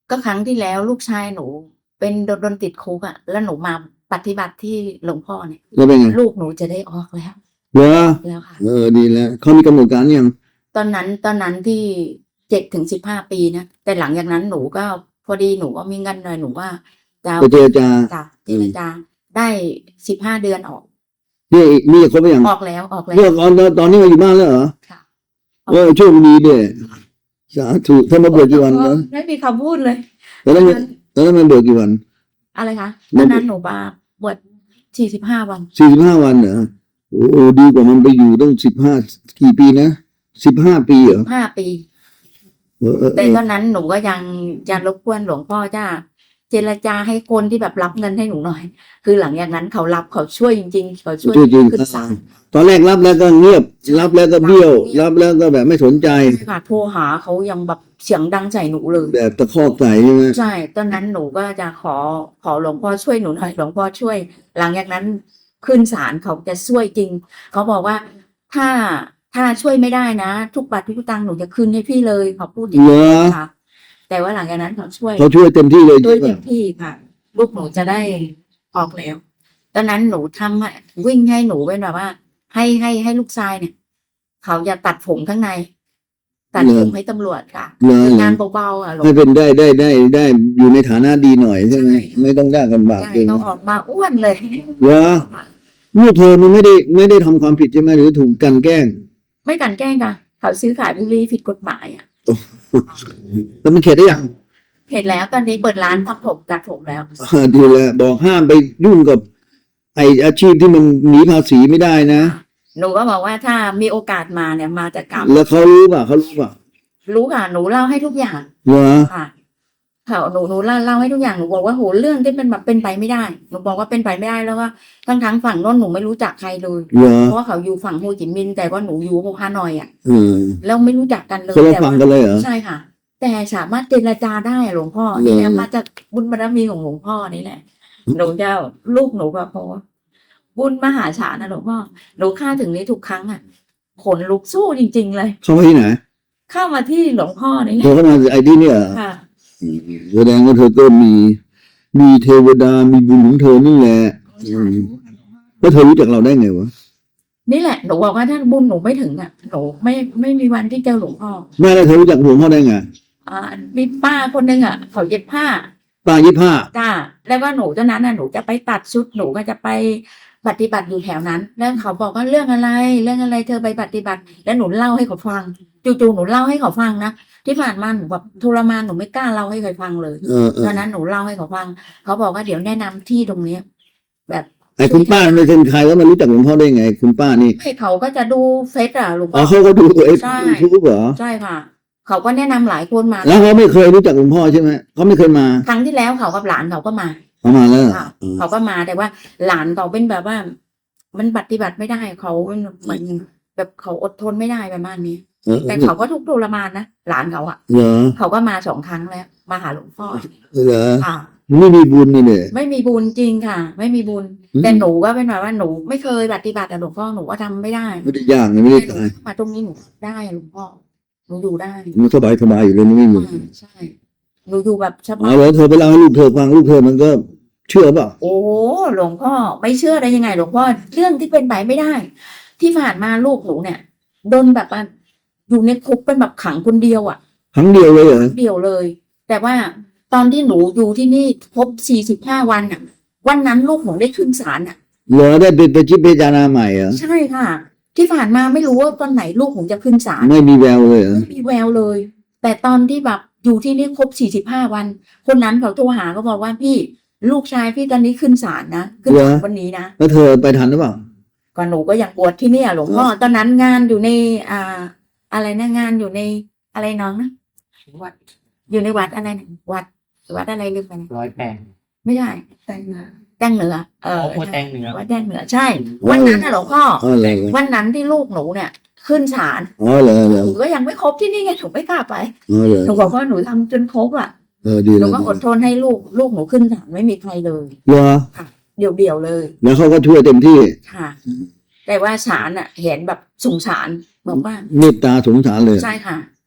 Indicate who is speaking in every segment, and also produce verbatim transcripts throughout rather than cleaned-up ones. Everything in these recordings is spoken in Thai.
Speaker 1: ก็ครั้งที่แล้วลูกชายหนูเป็นโดนโดนติดคุกอะแล้วหนูมาปฏิบัติที่หลวงพ่อเนี่ย
Speaker 2: แล้วเป็นไง
Speaker 1: ลูกหนูจะได้ออกแล้ว
Speaker 2: เหรอ
Speaker 1: แล้วค่ะ
Speaker 2: เออดีแล้วเขามีกำหนดการยัง
Speaker 1: ตอนนั้นตอนนั้นที่เจ็ดถึงสิบห้าปีนะแต่หลังจากนั้นหนูก็พอดีหนูก็มีเงินหน่อยหนูว่าจะ
Speaker 2: ไปเจรจา
Speaker 1: จะเจรจาได้สิบห้าเดือนออก
Speaker 2: นี่นี่ครบไปยัง
Speaker 1: ออกแล้วออกแล้ว
Speaker 2: เรื่องตอนตอนนี้มาอยู่บ้านแล้วเหรอ
Speaker 1: ค่ะ
Speaker 2: เออโชคดีด้วยสาธุถ้ามาบวชกี่วันนะ
Speaker 1: ไม่มีคำพูดเลย
Speaker 2: แล้วนั้นแล้วนั้นมันบวชกี่วัน
Speaker 1: อะไรคะตอนนั้นหนูมาบวชสี่สิบห้าวัน
Speaker 2: สี่สิบห้าวันเหรอโอ้โหดีกว่ามันไปอยู่ต้องสิบห้ากี่ปีนะสิบห้าปีเหรอ
Speaker 1: ห้าปี
Speaker 2: เออเออเอ
Speaker 1: แต่
Speaker 2: อ
Speaker 1: ตอนนั้นหนูก็ยังยังรบกวนหลวงพ่อจ้าเจรจาให้คนที่แบบรับเงินให้หนูหน่อย คือหลังจากนั้นเขารับเขาช่วยจริงๆเขาช่วย
Speaker 2: จริง
Speaker 1: ขึ้นศาล
Speaker 2: ๆตอนแรกรับแล้วก็เงียบ รับแล้วก็เบี้ยว รับแล้วก็แบบไม่สนใจ
Speaker 1: ค่ะโทรหาเขายังแบบเสียงดังใส่หนูเลย
Speaker 2: แบบตะคอกใส่ใช่ไหม
Speaker 1: ใช่ตอนนั้นหนูก็จะขอขอหลวงพ่อช่วยหนูหน่อยหลวงพ่อช่วย หลังจากนั้นขึ้นศาลเขาจะช่วยจริงเขาบอกว่าถ้าถ้าช่วยไม่ได้นะ ทุกบาททุกสตางค์หนูจะคืนให้พี่เลยเขาพูดอย่าง
Speaker 2: เหร
Speaker 1: นี้
Speaker 2: อ
Speaker 1: ค่ะ แต่ว่าหลังจากนั้นเขาช่วย
Speaker 2: เขาช่วยเต็มที่เลย
Speaker 1: ช่วย
Speaker 2: ใช่
Speaker 1: เต็
Speaker 2: ปะ
Speaker 1: มที่ค่ะ ลูกหนูจะได้ออกแล้ว ตอนนั้นหนูทำให้วิ่งให้หนูเป็นแบบว่า ให้ให้ให้ลูกชายเนี่ย เขาจะตัดผมข้างใน ตัดผมให้ตำรวจค่ะ
Speaker 2: เหรอ
Speaker 1: คืองานเบาๆอ่ะหลวง
Speaker 2: ให้เป็นได้ได้ได้ได้อยู่ในฐานะดีหน่อยใช่ไหม
Speaker 1: ใช่
Speaker 2: ไม่ต้องยากลำบาก
Speaker 1: ใช่
Speaker 2: เกิน
Speaker 1: เขาออกมาอ้วนเลย
Speaker 2: เหรอเมื่อเธอมันไม่ได้ไม่ได้ทำความผิดใช่ไหมหรือถูกกลันแกล้ง
Speaker 1: ไม่กลันแกล้งค่ะ เขาซื้อขายบุหรี่ผิดกฎหมายอ่ะ
Speaker 2: แล้วมันเข็ดได้ยัง
Speaker 1: เห็นแล้วตอนนี้เปิดร้านทำผมตัดผมแล้ว
Speaker 2: อ่าดีแล้วบอกห้ามไปยุ่งกับไออาชีพที่มันหนีภาษีไม่ได้นะ
Speaker 1: หนูก็บอกว่าถ้ามีโอกาสมาเนี่ยมาจากกรรม
Speaker 2: แล้วเขารู้ป่ะเขารู้ป่ะ
Speaker 1: รู้ค่ะ หนูเล่าให้ทุกอย่าง
Speaker 2: เหรอ
Speaker 1: ค่ะเขาหนูหนูเล่าเล่าให้ทุกอย่างหนูบอกว่าโหเรื่องที่เป็นแบบเป็นไปไม่ได้หนูบอกว่าเป็นไปไม่ได้แล้วว่าทั้งทั้งฝั่งโน้นหนูไม่รู้จักใครเลย
Speaker 2: เหรอ
Speaker 1: เพราะว่าเขาอยู่ฝั่งโฮจิมินห์แต่ว่าหนูอยู่ฮานอยอ่ะ
Speaker 2: เออ
Speaker 1: แล้วไม่รู้จักกันเลย
Speaker 2: คนละ
Speaker 1: แต่
Speaker 2: ฝั่ง
Speaker 1: ว่า
Speaker 2: กันเลยเหรอ
Speaker 1: ใช่ค่ะ แต่สามารถเจรจาได้อะหลวงพ่อ
Speaker 2: เหรอ
Speaker 1: นี่แหละมาจากบุญบารมีของหลวงพ่อนี่แหละหนูจะลูกหนูก็เพราะว่าบุญมหาศาลนะหลวงพ่อหนูค่าถึงนี้ทุกครั้งอ่ะขนลุกสู้จริง ๆ เลย
Speaker 2: เข้ามาที่ไหน
Speaker 1: เข้ามาที่หลวงพ่อนี่แห
Speaker 2: เธอ
Speaker 1: ละ
Speaker 2: เข้ามาไอ้ที่เนี่ยเหรอ
Speaker 1: ค่ะ
Speaker 2: อืมแสดงว่าเธอก็มีมีเทวดามีบุญของเธอนี่แหละอืมแล้วเธอรู้จักเราได้ไงวะ
Speaker 1: นี่แหละหนูบอกว่าถ้าบุญหนูไม่ถึงอ่ะหนูไม่ไม่มีวันที่เจอหลวงพ่อ
Speaker 2: แม่แล้วเธอรู้จักหลวงพ่อได้ไง
Speaker 1: อ่ามีป้าคนหนึ่งอ่ะเขาเย็บผ้า
Speaker 2: ป้ายี่ผ้า
Speaker 1: จ้าแล้วก็หนูตอนนั้นน่ะหนูจะไปตัดชุดหนูก็จะไปปฏิบัติอยู่แถวนั้น แล้วเขาบอกว่าเรื่องอะไร เรื่องอะไรเธอไปปฏิบัติ แล้วหนูเล่าให้เขาฟังจู่ๆหนูเล่าให้เขาฟังนะที่ผ่านมาหนูแบบทรมานหนูไม่กล้าเล่าให้ใครฟังเลย
Speaker 2: เออเออ
Speaker 1: ตอนนั้นหนูเล่าให้เขาฟังเขาบอกว่าเดี๋ยวแนะนำที่ตรงเนี้ยแบบ
Speaker 2: ไอ้คุณป้าไม่เป็นใครแล้วมารู้จักหลวงพ่อได้ไง คุณป้านี่
Speaker 1: ให้เขาก็จะดูเฟซอะหลวง
Speaker 2: อ๋
Speaker 1: พ่
Speaker 2: อ
Speaker 1: อ
Speaker 2: เขาก็ดูไอ้
Speaker 1: ใช่
Speaker 2: ยูทูบเหรอ
Speaker 1: ใช่ค่ะ เขาก็แนะนำหลายคนมา
Speaker 2: แล้วเขาไม่เคยรู้จักหลวงพ่อใช่ไหมเขาไม่เคยมา
Speaker 1: ครั้งที่แล้วเขากับหลานเขาก็มา
Speaker 2: เขามาแล้ว
Speaker 1: ค่ะ
Speaker 2: เออ
Speaker 1: เขาก็มาแต่ว่า หลานเขาเป็นแบบว่า มันปฏิบัติไม่ได้เขาเป็นเหมือนแบบเขาอดทนไม่ได้ประมาณนี้
Speaker 2: เออ
Speaker 1: แต่เขาก็ทุกข์ทรมานนะหลานเขาอะ
Speaker 2: เหรอ
Speaker 1: เขาก็มาสองครั้งแล้ว มาหาหลวงพ่อ
Speaker 2: เหรอ
Speaker 1: ค่ะ
Speaker 2: ไม่มีบุญนี่เนี่ย
Speaker 1: ไม่มีบุญจริงค่ะ ไม่มีบุญ
Speaker 2: อืม
Speaker 1: แต่หนูก็เป็นแบบว่าหนูไม่เคยปฏิบัติแต่หลวงพ่อหนูก็ทำไม่ได้
Speaker 2: ไม่ได้ยากนะไม่ได้
Speaker 1: หนู
Speaker 2: ตาย
Speaker 1: มาตรงนี้หนูได้หลวงพ่อหนูอยู่ได้
Speaker 2: มันสบายสบายอยู่เลยไม่มี
Speaker 1: อ่าใช่หนูอยู่แบบส
Speaker 2: อ๋
Speaker 1: บา
Speaker 2: อย แล้วเธอไปเล่าให้ลูกเธอฟังลูกเธอมันก็เชื่อเปล่า
Speaker 1: โอ้หลวงพ่อไม่เชื่อได้ยังไงหลวงพ่อเรื่องที่เป็นไปไม่ได้ ที่ผ่านมาลูกหนูเนี่ยโดนแบบว่าอยู่ในคุกเป็นแบบขังคนเดียวอ่ะ
Speaker 2: ครั้งเดียวเลยเหรอ
Speaker 1: เดียวเลย แต่ว่าตอนที่หนูอยู่ที่นี่ครบสี่สิบห้าวันอ่ะ วันนั้นลูกหนูได้ขึ้นศาลอ่ะ
Speaker 2: เหรอได้เป็นไปจิตพิจารณาใหม่เหรอ
Speaker 1: ใช่ค่ะ ที่ผ่านมาไม่รู้ว่าตอนไหนลูกหนูจะขึ้นศาล
Speaker 2: ไม่มีแววเลยเหรอ
Speaker 1: ไม่มีแววเลย แต่ตอนที่แบบอยู่ที่นี่ครบสี่สิบห้าวัน คนนั้นเขาโทรหาเขาบอกว่าพี่ลูกชายพี่ตอนนี้ขึ้นศาลนะขึ้นศาลวันนี้นะ
Speaker 2: แล้วเธอไปทันหรือเปล่า
Speaker 1: ก่อนหนูก็อยากบวชที่เนี่ยหลวงพ่อตอนนั้นงานอยู่ในอ่า อะไรนะงานอยู่ในอะไรน้องนะวัดอยู่ในวัดอะไรนะวัดวัดอะไรลืมไปนะ
Speaker 3: ร้อยแปด
Speaker 1: ไม่ใช่แตงเหนือแตงเหนือเออ
Speaker 3: โอ้แตงเหนือ
Speaker 1: วัดแตงเหนือใช่ วันนั้นนะหลวงพ่อ
Speaker 2: อ๋อเหรอ
Speaker 1: วันนั้นที่ลูกหนูเนี่ย ขึ้นศาล
Speaker 2: อ๋อเหรอเหรอ
Speaker 1: หนูก็ยังไม่ครบที่นี่ไงหนูไม่กล้าไป
Speaker 2: อ๋อเหรอ
Speaker 1: หนูบอกว่าหนูทำจนครบอ่ะ
Speaker 2: เออดี
Speaker 1: ห
Speaker 2: เล
Speaker 1: นู
Speaker 2: ย
Speaker 1: ก็อดทนให้ลูกลูกหนูขึ้นศาลไม่มีใครเลย
Speaker 2: เหรอ
Speaker 1: เดี่ยวเดี่ยวๆเลย
Speaker 2: แล้วเขาก็ช่วยเต็มที่
Speaker 1: ค่ะ แต่ว่าศาลอ่ะ เห็นแบบสงสารบอกว่า
Speaker 2: เมตตาสงสารเลย
Speaker 1: ใช่ค่ะ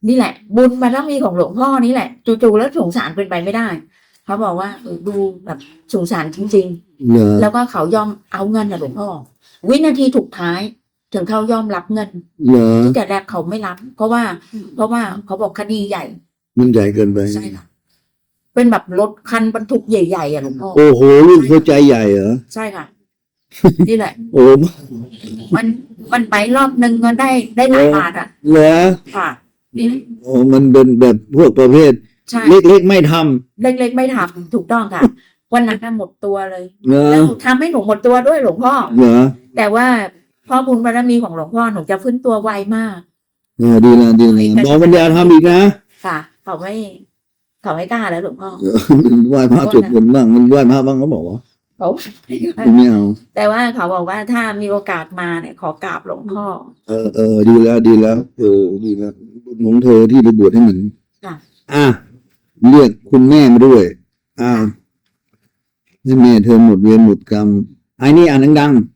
Speaker 1: นี่แหละ บุญบารมีของหลวงพ่อนี่แหละจู่ๆแล้วสงสารเป็นไปไม่ได้เขาบอกว่าเออดูแบบสงสารจริง
Speaker 2: เหรอ
Speaker 1: ๆ แล้วก็เขายอมเอาเงินนะหลวงพ่อ วินาทีสุดท้าย ถึงเขายอมรับเงิน
Speaker 2: เหรอ
Speaker 1: ที่แต่แรกเขาไม่รับ เพราะว่า เพราะว่าเขาบอกคดีใหญ่
Speaker 2: มันใหญ่เกินไป
Speaker 1: ใช่ค่ะเป็นแบบรถคันบรรทุกใหญ่ๆอ่ะหลวงพ่อ
Speaker 2: โอ้โหลูกเข้าใจใหญ่เหรอ
Speaker 1: ใช่ค่ะ นี่แหละ
Speaker 2: โอ้
Speaker 1: มันมันไปรอบนึงก็ได้ได้หลายบาทอ่ะ
Speaker 2: เหรอ
Speaker 1: ค่ะนี่
Speaker 2: โอ้มันเป็นแบบพวกประเภท
Speaker 1: ใช่
Speaker 2: เล็กๆไม่ท
Speaker 1: เล็กๆไม่ทำถูกต้องค่ะ วันนั้นน่ะหมดตัวเลย
Speaker 2: ำเหรอ
Speaker 1: แล้วทำให้หนูหมดตัวด้วยหลวงพ่อ
Speaker 2: เหรอ
Speaker 1: แต่ว่าพ่อบุญบารมีของหลวงพ่อหนูจะฟื้นตัวไวมาก
Speaker 2: เออดีแล้วดีแล้วบอกปัญญาทำอีกนะ
Speaker 1: ค่ะ เขาไม่เขาไม่กล้าแล้วหลวงพ่อ
Speaker 2: เออไหว้พระสวดมนต์บ้างมันไหว้พระบ้างเขาบอกว่า
Speaker 1: เขา
Speaker 2: ไม่เอา
Speaker 1: แต่ว่าเขาบอกว่าถ้ามีโอกาสมาเนี่ยขอกราบหลวงพ่อ
Speaker 2: เออเออดีแล้วดีแล้ว เออดีแล้วบุญของเธอที่ไปบวชให้หมัน
Speaker 1: ค่ะ
Speaker 2: อ่ะเรียกคุณแม่มาด้วยอ้าวให้แม่เธอหมดเวรหมดกรรมไอ้นี่อ่านดังๆ